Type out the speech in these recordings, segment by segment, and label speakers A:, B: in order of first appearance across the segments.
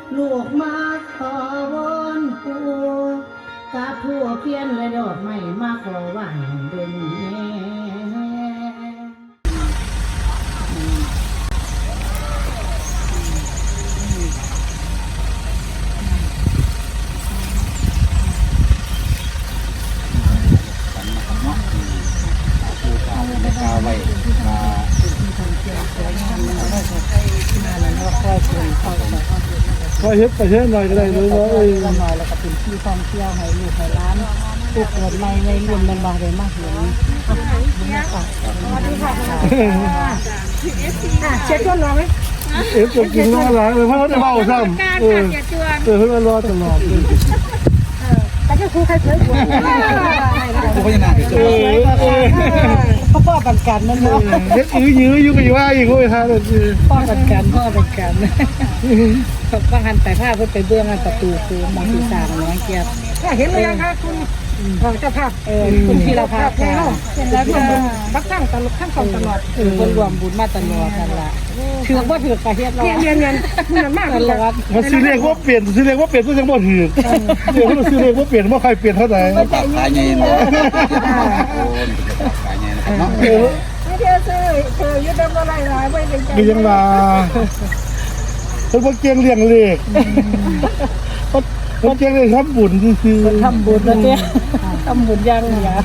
A: ลูกมาขอวอนปู่กาทั่วเพียนและดอกไม้มาขอไหว้เดินแม่
B: ไว้
C: พอเฮ็ดไปเฮ็ดหน่อยก็ได้เลยว่า
A: หน่อยแล้วก็เป็นที่ท่องเที่ยวให้ลูกให้ร้านผู้เกิดใหม่ในรุ่นมันบางเลยมากเลยเช็ดก้นรอไหม
C: จะกินน้ำหลายเลยเพราะว่าได้เบาซ้ำเพิ่งมารอตลอด
A: แต่ก็ครูใครเคยกลัว
B: ผู้พัฒนา
A: เขาพ่อกันกันนั่นเนาะ
C: เฮ็ดยื้ออยู่ก็อยู่ว่าอีกโอ้ยฮะ
A: พ่อกันกันก็หันแต่ผ้าเพื่อไปเบื้องประตูคือมองที่สามน้องเกียบเห็นหรือยังคะคุณเจ้าภาพคุณธีรภาพเห็นแล้วบักตั้งตลอดขั้นตลอดคนรวมบุญมาตลอดกันละถือว่าถือกระเทียบเราเรียนมันมากเลยว่า
C: ซื้อเลขว่าเปลี่ยนซื้อเลขว่าเปลี่ยนก็ยังบ่ถือเดี๋ยวเราซื้อเลขว่าเปลี่ยนว่าใครเปลี่ยนเท่าไหร่
B: ขายไงเนาะขายไงนะครับเนาะ
A: ไม่เชื่อซื้อยึดได้เมื่อไรหลายไม่เป็นใจ
C: ยังมาเพิ่นบ่เก่งเลี้ยงเลขเพิ่นเก่งเลยทำบุญคือ
A: ทำบุญแล้วเนี่ยทำบุญยังเหรอ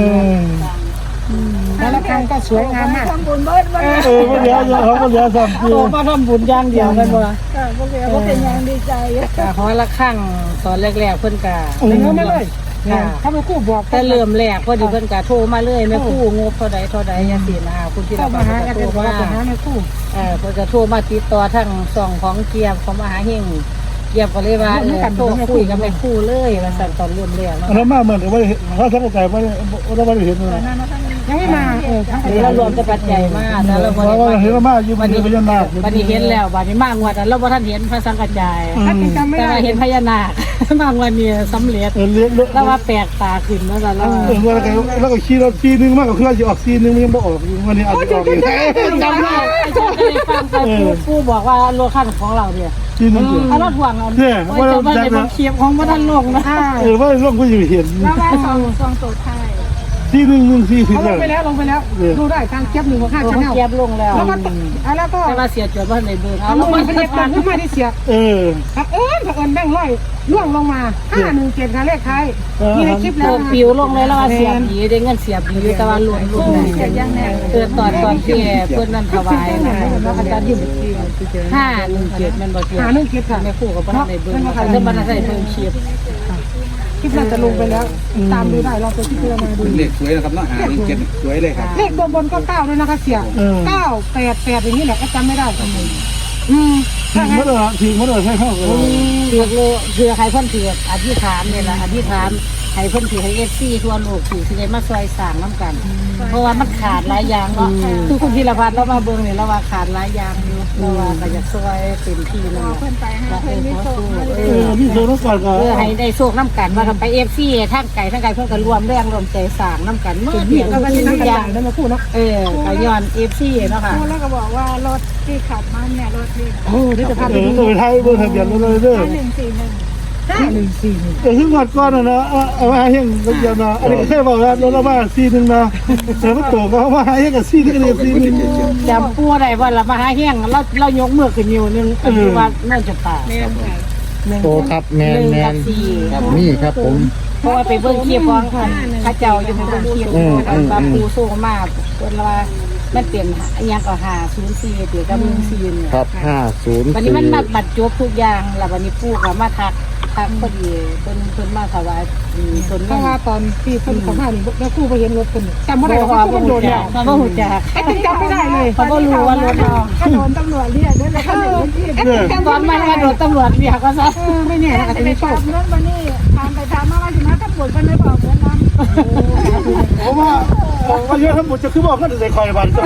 A: แล้วครั้งก็สวยงามมากทำบุญเบิด
C: บ่เดี๋ยวเขาบ่เดี๋ยวซ้ำคือ
A: มาทำบุญอย่างเดียวกันบ่
D: ก็เป็นอย่างดีใจ
A: เพราะละครั้งตอนแรกๆเพิ่นก็
D: เงินมาเลยถ้าไม่คู่บอก
A: แต่เริ่มแรกพอดีเพิ่นก็โทรมาเลยแม่คู่งบเท่าใดจังซี่นะคุณที่เรา
D: มาหากันโทรมาหาแม่คู่
A: เพิ่นก็โทรมาติดต่อทางช่องของเกียบของมหาเฮงเกียบก็เลยว่าโทรคุยกับแม่คู่เลยว่าสั่นตอนเริ่มแรกเนาะ
C: แล้วมาเหมือนกับว่าเขาทั้งใจว่าเราไม่ได้เห็นเลย
D: ยังไม่มา
A: เรารวมจะปัจจัยมากแล้วเราบ่
C: ได้เห็นมาอยู่วันนี้พญานาค
A: วันนี้เห็นแล้ววันนี้มางวดเราบ่ทันเห็นพระสังกัจจายแต่เห็นพญานาคบางวันนี้สำเร็จแล้วว่าแปลกตาขึ้นแล้วก็
C: แล้วก็ขี่รถซีนึงมากกว่าเครื่องจะออกซีนึงมันยังบ่ออกวันนี้อาจจะออกอีก
A: จำได้ชอบได้ฟังผู้บอกว่ารถคันของเราเนี่ย
C: ซีนึง
A: เอารถห่วงเราเนี่ยว่าจะได้บังเคียบของบ่ทันลงนะ
C: ว่าลงก็อยู่เห็น
D: แล้วว่าซองโสดไทย
C: ซีนึง40
D: ลงไปแล้วดูได้ทางเก็บ1ของ5
A: Channel เก็บลงแล้ว
D: แล้วก็
A: แต่ว่าเสียจดบ่ได้เบิ่ง
D: เอาลงมาเป็นเลขขึ้นมาที่เสียผักเอิญแบงค์ร้อยล่วงลงมา517ค่ะเลขท้ายมีในคลิปแล้ว
A: ปิวลงเลยแล้วว่าเสียบดีได้เงินเสียบดีแต่ว่าหล่นเกิดตอนที่เพิ่นนั้นถวายนะอาจารย์อยู่517มันบ่เกี่ยว
D: 517ค่ะ
A: แม่ครูก็บ่ได้เบิ่งเพิ่นบ่ได้เบิ่งคลิป
D: น่าจะลงไปแล้วตามดูได้เราไปที่เพื่อมาดู
B: เลขสวยนะครับเนาะ7สวยเลยครับ
D: เลขตัวบนก็9ด้วยนะคะเสีย988อย่างนี้แหละก็จำไม่ได้
C: เมื่อใช่เข้ากัน
A: คือใครเพิ่นถืออธิษฐานเนี่ยแหละอธิษฐานให้เพิ่นถือให้FCทั่วโลกถือสิได้มาซอยสร้างน้ำกันเพราะว่ามันขาดหลายอย่างเนาะคือคุณธีรพัฒน์เรามาเบิ่งนี่เราว่าขาดหลายอย่างอยู่เราว่าก็อยากซอยเต็มที่นั่นแหละ
D: เพิ่นไปหาเพิ่นมีโชค
C: นี่โชคน้ำกัน
A: ให้ได้โชคน้ำกันว่ากันไป FC ทั้งไก่เพิ่นก็รวมแรงรวมใจสร้างน้ำกันเมื่อเดียว
D: ก็เป็นทุกอย่างนั่นมาพูดเนาะ
A: ก็ย้อน FC เนาะค่ะ
D: แล้วก็บอกว่ารถที่ขับมาเนี่ยรถนี่
C: นี่จะพาไปดูไทยเบอร์ทะเบียนเลยเด้อ
D: 141
C: แต่ขึ้นก่อนนะเอามาให้ก็จะนะอันนี้แค่บอกว่ารถเรามาซีนึงนะแต่ว่าตัวก็มาให้กับซีนึงเลยซีนึง
A: จำปัวได้ว่าเรามาหาแห้งเรายกมือขึ้นนิ้วนึงคือว่าน่าจะตา
E: โตครับแมนนี่ครับผม
A: เพราะว่าไปเบิ่งเคียบของข้าเจ้าอยู่ในเบิ่งเคียบปลาปูโซ่มากคนละมันเปลี่ยนยังก็504เปลี่ยนกับ14เนี่ย
E: ครับ50
A: วันนี้มันบัดจบทุกอย่างแล้ววันนี้ปู่ก็มาทักพอดีเพิ่นมาถวายต้น
D: เพราะว่าตอนที่เพิ่นเข้ามานี่แล้วครูไปเห็นรถเพิ่นจำบ่ได้ว่าเพิ่นโดนแล้ว
A: บ่ฮู้จัก
D: จำไม่ได้เลย
A: เขาบ่รู้ว่ารถ
D: ถ้าโดนตำรวจเรียกนั่นแหละค่ะ
A: ตอนมันโดนตำรวจเรียกก็ซะ
D: ไม่แน่อาจจะมีโชค
A: เ
D: รื่องวันนี้ทางไปทางมาว่าสิมาตำรวจเพิ่นไม่บอกเพิ่นนำ
C: ผมว่าเยอะทั้งหมดจะคือบอกก็ได้คอยบัน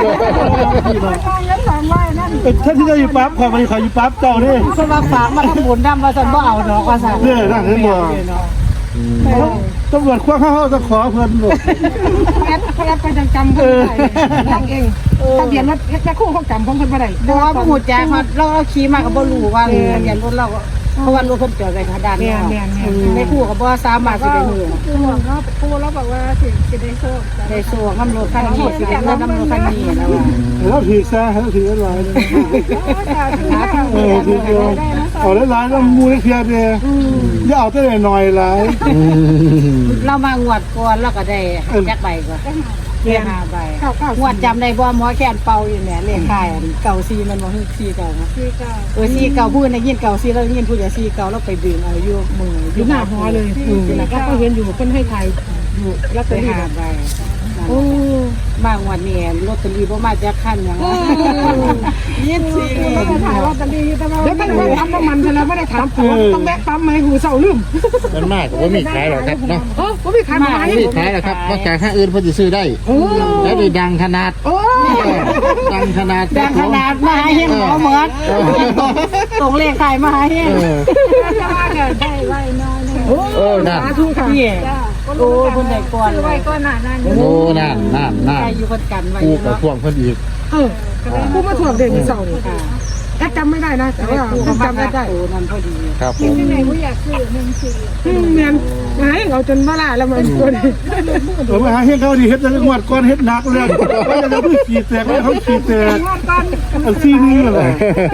C: ท่านที่ได้อยู่ปั๊บคอยอยู่ปั๊บเจ้านี่
A: สมาฝากมาทำบุญนำว่าซั่นบ่เอาดอกว่าซั่น
C: นั่นเห็นบ่ตำรวจคว้าเข้าจะขอเพิ่นหรอก
D: แอดเขาแอดไปจำเขาได้ตั้งเองทะเบียนรถแค่คู่เขาจำของคนมาได้
A: เพราะว่าผู้แจ้งเราขี่มาก็บ่รู้ว่าทะเบียนรถเราเพราะว่ารถเพิ่นจอดไว้ทางด้านนี้ไม่คู่ก็บ่สามารถสิได้ฮู้
B: คือหลวงเขาปูแล้วบอกว่าสิได้โชค
A: ได้โซ่น้ำรถคันนี้สิได้เงินน้ำรถคันนี้แล้วว่า
C: แล้วถือซะแล้วถืออะไรถือเดียวเอาหลายๆแล้วมูเทียเดียวอย่าเอาแต่หน่อยหลาย
A: เรามางวดก่อนแล้วก็ได้จักใบก็ได้5ใบงวดจำได้บ่หมอแคนเป่าอยู่เนี่ยเลขท้ายเก่า4มันบ่คือ4เก่านะ
B: ที่ก็
A: 4เก่าพูดได้ยินเก่า4แล้วยินพูดอย่า4เก่าแล้วไปดึงเอาอยู่มือ
D: อยู่หน้าหอเลยแล้วก็เห็นอยู่คนให้ไทยอยู่แล้ว
A: ไป
D: ไปหา
A: 5ใบ บางวันนี่รถตรีบ่มาจากคันอย่างนั้นยินสิ
B: ถ่ายลอตเตอรี่แต่ว่า
D: แล้วตั้งแต่ปั๊มน้ำมันไปแล้วไม่ได้ถามผัวต้องแวะปั๊มไหมหูเสาลืม
E: มันมากกว่ามีขายหรอกครับเนาะ
D: ผมมีขายมาให้
E: มีขายหรอกครับนอกจากห้างอื่นเพิ่นสิซื้อได้แล้วได้ดังขนาด
D: โอ้
E: ดังขนาด
A: แต่ขนาดมาให้หมอเหมือนตรงเลขขายมาให้
B: จะว่าเกิดได้ไว้น้อยนึง
E: น่ะ
D: ทุกค่ะ
A: พี่โอ้คนไหนก่อน
B: ซื้อไว้ก็หนานั่น
E: โอ้นั่น
A: ใครอยู่คนกันไว้
E: กูกับพวงเพิ่นอีก
D: กูมาถ่วงเด็กเสาร์นี่แอดจำไม่ได้นะแต่ว่า
A: กูก็มา
D: จำได้
A: ได้โอ้นั่นพอดี
E: ครับผ
B: ที่
E: ม
B: ไหนกูอยากซื้อ14
D: เนียนไงเอาจนมาละแล้วมันตัวนี้
C: ผมหาเฮ็ดเขาดีเฮ็ดแต่งวดก่อนเฮ็ดหนักเลยว่าจะเพิ่งขี่แตกแล้วเขาขี่แตกอันซี่นี่แหละ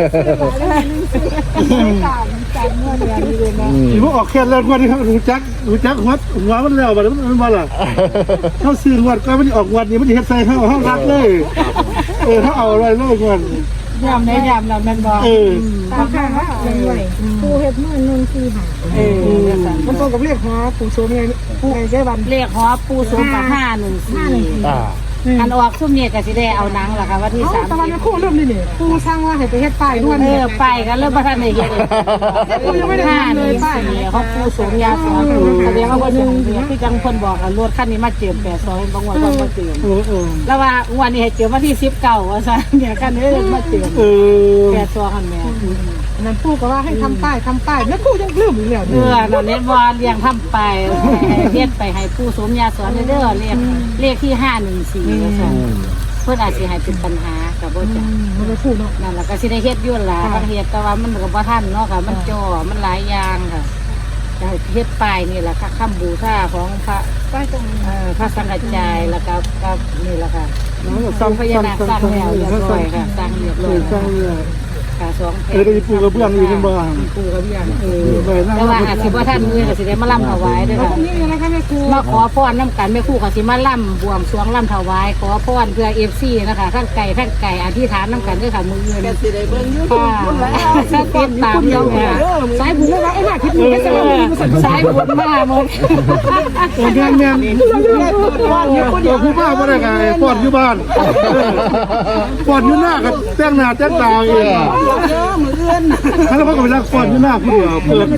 B: จ่ายเงินเดือนนี้เลยนะ
C: ที่พวกออกแค่แล้วงวดนี้เขารู้จักหัวมันแล้วบัดมันมาล่ะเขาซื้องวดก็มันออกงวดนี้มันเฮ็ดใส่เขารักเลยเขาเอาอะไรเลยงวด
A: ยามไหนยามนั้นมันบอก
B: ตามข้างว่าเลยปูเห็ดมือ1 4 5
D: มันตรงกับเรียกหอปู่โชมไงปู่ไงแก้วัน
A: เลขหอปูสูงกับ514อันออกซุ่มเนี่ยก็สิได้เอาหนังล่ะค่ะวันที่
D: ตะวันคู่เริ่มนี่นี่ปู่สร้างว่าให้ไปเฮ็ดป้ายด้วย
A: ไปกันเริ่มบ่ทันได้เฮ็ด
D: ปู่ยังไม่ได้ทำเลยป้าย
A: เขาปูสูงยาสอนแสดงว่า1ที่จังคนบอกรถคันนี้มาเจิม82บางวันก็มาเจิมแล้วว่าวันนี้ให้เจิมวันที่19ว่าซั่นเนี่ยคันนี้มาเจิม82คันแม่
D: นั่นปู่ก็ว่าให้ทำป้ายแล้วปู่ยังลืมอยู่แล้ว
A: นั่นเน็ตบอลเลี้ยงทำไปเฮ็ดไปให้ผู้สูงยาสอนเด้อเลขที่514ว่าซั่นเพิ่นอาจสิให้เป็นปัญหาก็บ่จัก
D: มันจะพูดเนาะ
A: นั่นล่ะก็สิได้เฮ็ดอยู่ล่ะบางเฮ็ดแต่ว่ามันก็บ่ทันเนาะค่ะมันจ่อมันหลายอย่างค่ะจะเฮ็ดป้ายนี่ล่ะค่ะคำบูชาของพระ
B: ป้ายตรงนี้
A: พระสังฆจายแล้วก็นี่ล่ะค่ะสองพญานาคสร้างแล้วเรียบร้อยค่ะสร้างเรียบร้อยค่ะ2
C: ได้ปูกระเบื้องอยู่เป็นบ้าน
A: ปูกระเบื้องแต่ว่าอาจสิบ่ทันมื้อก็สิได้มาล่ำถวายเด้อค่ะ
D: นี่อะไรคะแม่ครู
A: มาขอพรน้ำกันแม่ครู่ก็สิมาล่ำบวงสรวงล่ำถวายขอพรเพื่อFCนะคะทั้งไก่อธิษฐานน้ำกันด้วยค่ะมือเงินสิได้เบิ่งอยู่ค่ะถ้าติดตามอยู่ค่ะสายบุญแล้วไอ้หน้าคิดอยู่สายบุญมาหมด
C: แม่ผู้บ้าบ่ได้ไงปอดอยู่บ้านปอดอยู่หน้ากับแต่งหน้าแต่งตาเองแล้วเขาก็ไปรักปอดอยู่หน้าผู้เดียวเปิด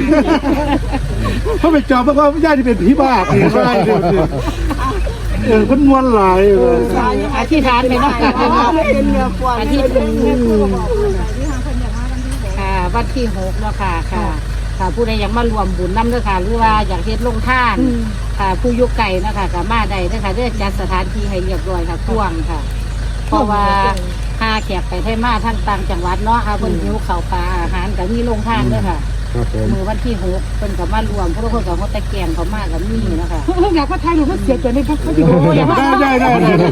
C: เขาไปจอบเพราะว่าญาติที่เป็นผีบ้าผีร้ายคนมวนหลายเลย
A: อธิษฐานไปน้ำกันอธิษฐานค่ะวันที่6เนาะค่ะค่ะผู้ใดอยากมารวมบุญน้ำเด้อค่ะหรือว่าอยากเฮ็ดลงท่านค่ะผู้ยุไก่นะคะก็มาได้เด้อค่ะเด้อจัดสถานที่ให้เรียบร้อยค่ะท่วงค่ะเพราะว่าหาแขกไปไทยมาทั้งต่างจังหวัดเนาะค่ะเพิ่นหิวข้าวปลาอาหารก็มีลงท่านเด้อค่ะ
E: ครับผม
A: มือวันที่6เพิ่นก็มารวมเพราะทุกคนก็เขาตะแกงเขามาก็มีนะคะ
D: อยากว่าไทยหรือว่าเสียใจในพวกเขาอยู่
C: ได้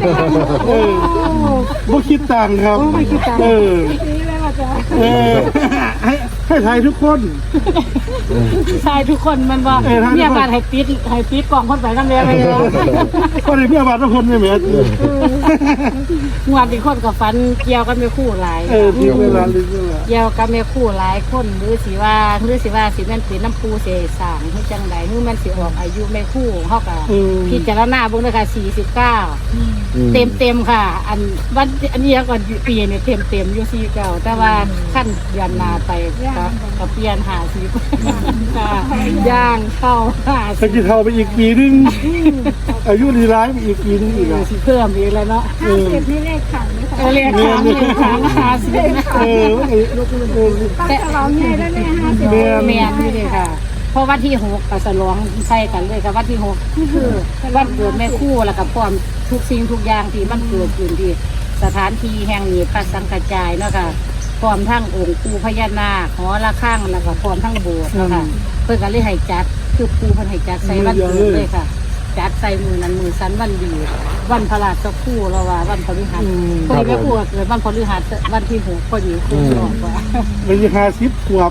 C: บ่คิดต่างครับ
B: นี่เลยว่าจะ
C: ให้ไทยทุกคน
A: ใช่ทุกคนมันว่าเนี่ยการให้ปิดกล่องคนไปนั่นเลยไปเลย
C: ก็เลยเมียบาททุกคนไม่เหมือน
A: งวดที่คนกับฟันเกี่ยวกันไม่คู่หลาย
C: ที่เวลาลิ้นเวลา
A: เกี่ยวกันไม่คู่หลายคนหรือสิว่าสิแม่นเป็นน้ำปูเสสางหรือจังใดหรือมันสิออกอายุไม่คู่เฮาก็พิจารณาเบิ่งเด้อค่ะ49เต็มค่ะอันวันอันนี้ก่อนปีเนี่ยเต็มอยู่49แต่ว่าขั้นเดือนหน้าไปก็เปลี่ยน50ค่ะย่างเข้า50
C: สกิเทาไปอีกปีนึงอายุรีร้ายไปอีกปีนึงอีก
A: สิเพิ่มอีกแล้วเนาะ
B: 50นี่เลขขันไหมคะ
A: เรียกค้าง50
C: เออ
B: ต้องฉลองใหญ่แล้วเนี่ย50
A: แม่นนี่เลยค่ะ
B: พอวันที่6ก็ฉลองใส่กันเลยกับวันที่6คือวันเกิดแม่ครูแล้วก็พร้อมทุกสิ่งทุกอย่างที่มันเกิดขึ้นที่สถานที่แห่งนี้พระสังฆจายเนาะค่ะพร้อมทั้งองค์ปู่พญานาคหอระฆังแล้วก็พร้อมทั้งโบสถ์เนาะค่ะเพิ่นก็เลยให้จัดคือปู่เพิ่นให้จัดใส่วันเกิดเลยค่ะจัดใส่มือนั้นมือสันวันดีวันพระราชครูเราว่าวันพฤหัสพอดีแม่ครูเกิดวันพฤหัสวันที่6พอดีครูบอกว่า
C: มันจะ50ขวบ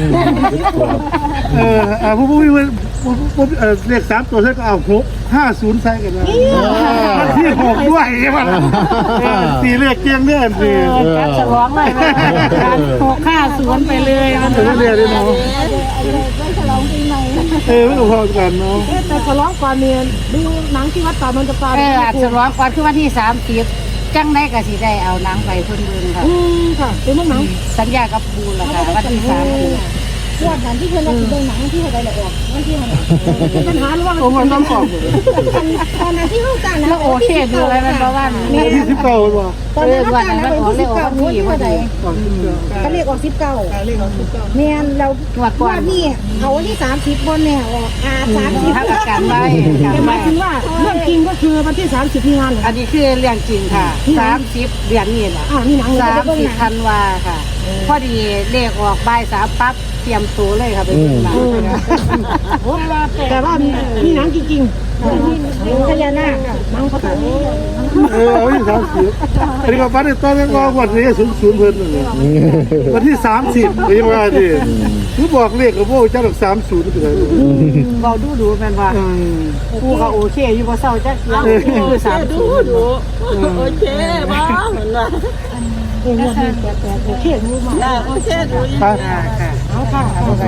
C: ผู้เลข3ตัวใช่ก็เอา650ใส่กันนะวันที่6ด้วยมัน4เลขเกียงเด้อสิ
B: การฉลองเลยการ650ไปเลยมัน
C: ถึงเรียนได้เนาะ
B: ได้ฉลองปีใหม่
C: ไม่ต้องพอกันเนาะ
D: แต่ฉลองก่อนเนี่ยดูหนังที่วัดป่ามันจะปลา
B: อาจฉลองก่อนคือวันที่30จังได้ก็สิได้เอาหนังไปเพิ่นเบิ่งค่ะ
D: ค่ะเป็นหนัง
B: สัญญากับปูแล้วค่ะวันที่30
A: วันนั้นที่เพื่อนเราดูหนังที่อะไรออกวันที่อะไร
D: ปัญหาหรือว่า
C: โอ้มันต้องบอก
A: ตอนนั้นที่เขาการนะ
B: แล้วโอเคดูอะไรมันเพราะว่า
C: ที่19บ่
A: ตอนนั้นเขา
B: วัน
A: การ
B: นั้น
A: นะ
B: มันออกเลยออกวันที่พอดี
A: เขาเรียกออก19เนี่ยเราว่านี่เขาวันที่30บนเนี่ยออก30
B: ถ้าประกันไว้
D: หมายถึงว่าเรื่องจริงก็คือวันที่30มีงาน
B: อันนี้คือเรื่องจริงค่ะ30เดือนนี้แหละ
D: นี่หนัง
B: 30ธันวาค่ะพอดีเลขออกบ่าย3ปั๊บเตรียมตัวเลยค่ะไปดูหนัง
D: แต่ว่ามีหนังจริง
A: พญานาค
D: หนังเขาแต่
C: วันที่30อันนี้ก็วันที่ต้นก็วันที่00เพิ่นนั่นแหละวันที่30ก็ยังว่าดิคือบอกเลขกับพวกเจ้าดอก30คืออะไร
B: เราดูแม่นว่ากูก็โอเคอยู่บ่เศร้าจักเสียคือ30ดูโอเคบ่เหมือนว่า
D: โอเครู้มา
B: โอเคดูค่ะ
D: เอาค่ะ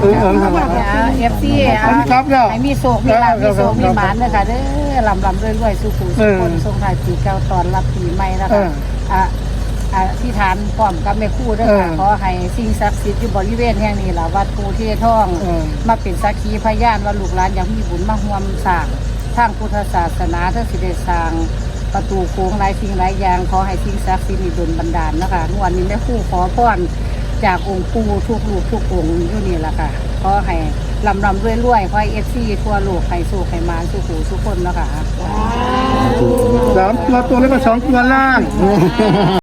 B: FC ให้มีโศกมีลาภมีโศกมีหมานเด้อค่ะเด้อลำรวยๆสุขุสุขคนทรงท้ายปีเก่าตอนรับปีใหม่นะคะที่ฐานพร้อมกับแม่ครูด้วยค่ะขอให้สิ่งศักดิ์สิทธิ์อยู่บริเวณแห่งนี้ล่ะวัดปูที่ท่องมาเป็นสักขีพยานว่าลูกหลานอยากมีบุญมาร่วมสร้างทางพุทธศาสนาทั้งสิได้สร้างประตูโค้งหลายสิ่งหลายอย่างขอให้สิ่งศักดิ์สิทธิ์ดลบันดาลนะคะวันนี้แม่ครูขอพรจากองค์ปู่ทุกลูกทุกองค์อยู่นี่ล่ะค่ะขอให้ลำรวยๆขอให้FCทั่วโลกให้สุขให้มาสุขหูสุขคนนะคะ
C: 3ตัวแล้วก็2ตัวล่าง